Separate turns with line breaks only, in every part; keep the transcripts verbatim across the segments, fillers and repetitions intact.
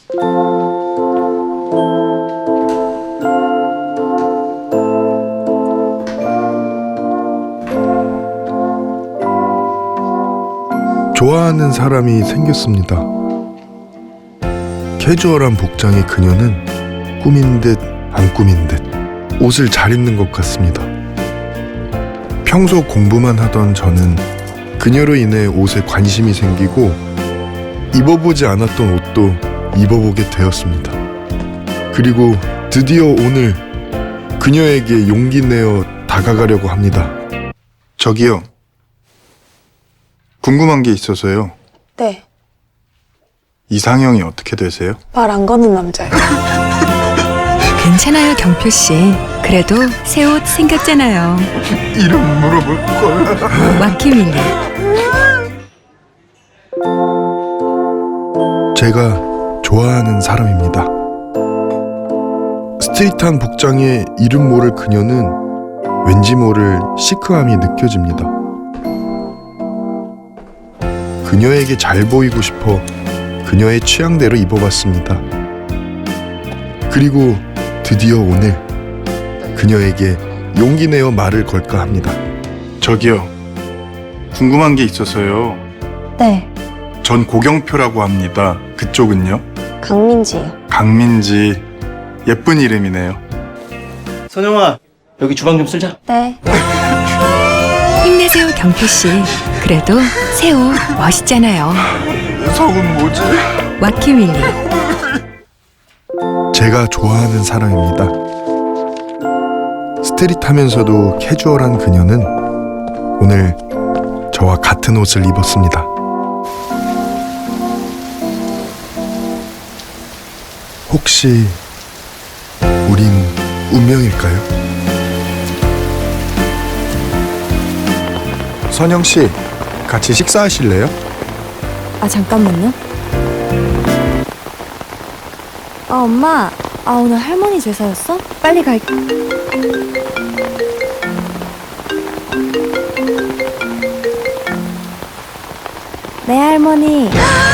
좋아하는 사람이 생겼습니다. 캐주얼한 복장의 그녀는 꾸민 듯 안 꾸민 듯 옷을 잘 입는 것 같습니다. 평소 공부만 하던 저는 그녀로 인해 옷에 관심이 생기고 입어보지 않았던 옷도 입어보게 되었습니다. 그리고 드디어 오늘 그녀에게 용기 내어 다가가려고 합니다. 저기요. 궁금한 게 있어서요.
네,
이상형이 어떻게 되세요?
말 안 거는 남자예요.
괜찮아요, 경표 씨. 그래도 새 옷 생겼잖아요.
이름 물어볼 걸.
와키밀리.
제가 좋아하는 사람입니다. 스트릿한 복장에 이름 모를 그녀는 왠지 모를 시크함이 느껴집니다. 그녀에게 잘 보이고 싶어 그녀의 취향대로 입어봤습니다. 그리고 드디어 오늘 그녀에게 용기 내어 말을 걸까 합니다. 저기요. 궁금한 게 있어서요.
네,
전 고경표라고 합니다. 그쪽은요?
강민지예요.
강민지. 예쁜 이름이네요.
선영아, 여기 주방 좀 쓸자.
네,
힘내세요, 경표 씨. 그래도 새 옷 멋있잖아요.
속은 뭐지?
와키밀리.
제가 좋아하는 사람입니다. 스트릿하면서도 캐주얼한 그녀는 오늘 저와 같은 옷을 입었습니다. 혹시 우린 운명일까요? 선영 씨, 같이 식사하실래요?
아 잠깐만요. 아 엄마, 아 오늘 할머니 제사였어? 빨리 갈게. 네 할머니.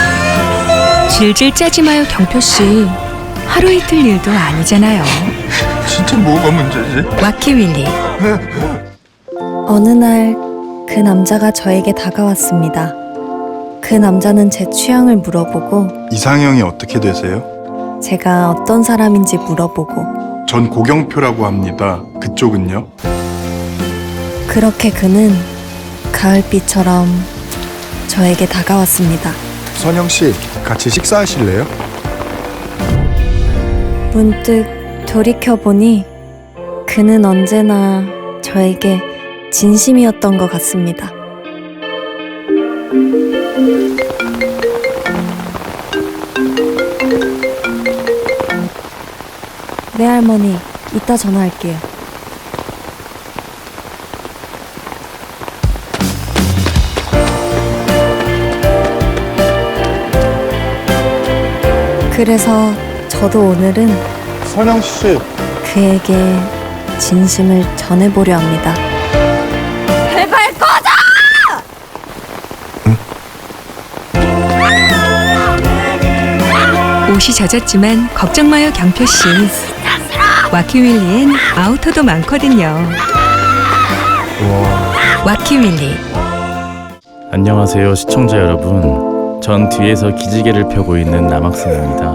질질 짜지 마요, 경표 씨. 하루 이틀 일도 아니잖아요.
진짜 뭐가 문제지?
와키밀리.
어느 날 그 남자가 저에게 다가왔습니다. 그 남자는 제 취향을 물어보고
이상형이 어떻게 되세요?
제가 어떤 사람인지 물어보고
전 고경표라고 합니다. 그쪽은요?
그렇게 그는 가을비처럼 저에게 다가왔습니다.
선영 씨, 같이 식사하실래요?
문득 돌이켜보니 그는 언제나 저에게 진심이었던 것 같습니다. 네 할머니, 이따 전화할게요. 그래서 저도 오늘은
선영 씨.
그에게 진심을 전해보려 합니다. 제발 꺼져!
옷이 젖었지만 걱정 마요, 경표 씨. 와키밀리엔 아우터도 많거든요. 와키밀리.
안녕하세요, 시청자 여러분. 전 뒤에서 기지개를 펴고 있는 남학생입니다.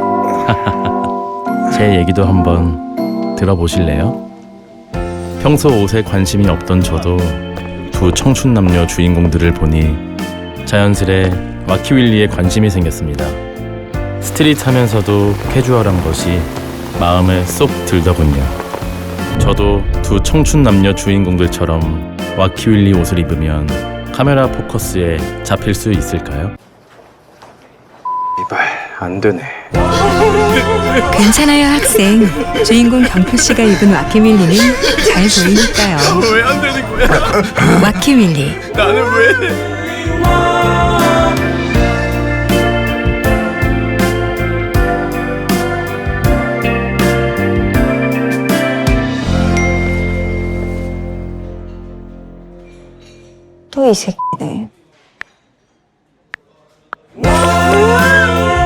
제 얘기도 한번 들어보실래요? 평소 옷에 관심이 없던 저도 두 청춘 남녀 주인공들을 보니 자연스레 와키윌리에 관심이 생겼습니다. 스트릿하면서도 캐주얼한 것이 마음에 쏙 들더군요. 저도 두 청춘 남녀 주인공들처럼 와키윌리 옷을 입으면 카메라 포커스에 잡힐 수 있을까요?
이발, 안 되네.
괜찮아요, 학생. 주인공 경표 씨가 입은 와키밀리는 잘 보이니까요.
왜 안 되는 거야?
와키밀리.
나는 왜?
또 이 새끼.